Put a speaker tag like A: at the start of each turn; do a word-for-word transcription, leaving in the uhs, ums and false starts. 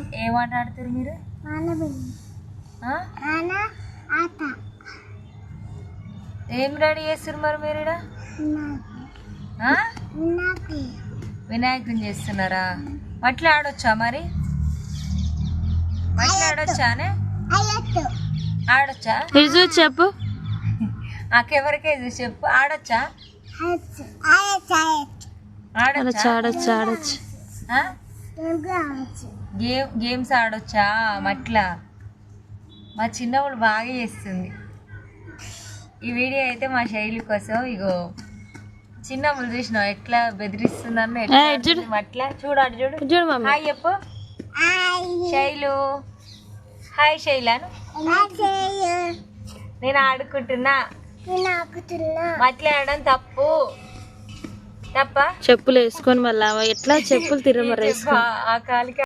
A: ఏం ఆట ఆడుతారు మీరు? ఏం రెడీ చేస్తారు మరి మీరు ఈడ? వినాయకుని చేస్తున్నారా? మట్లా ఆడొచ్చా మరి? మట్లా ఆడొచ్చానే? ఆడొచ్చా?
B: చెప్పు
A: నాకెవరికే చెప్పు. ఆడొచ్చా?
B: ఆడొచ్చు ఆడొచ్చు ఆడొచ్చు
A: గేమ్ గేమ్స్ ఆడొచ్చా మట్లా? మా చిన్నప్పుడు బాగా చేస్తుంది. ఈ వీడియో అయితే మా శైలి కోసం. ఇగో చిన్నప్పుడు చూసినావు ఎట్లా బెదిరిస్తుందన్న ఎట్లా మట్లా. చూడాడు చూడు
B: చూడు మమ్మీ.
A: హాయ్ చెప్పు శైలు. హాయ్ శైలాను. నేను ఆడుకుంటున్నా. మట్లా ఆడడం తప్పు. తప్ప
B: చెప్పులు వేసుకొని మళ్ళా ఎట్లా చెప్పులు తిరమరు వేసుకో.
A: ఆ కాలికి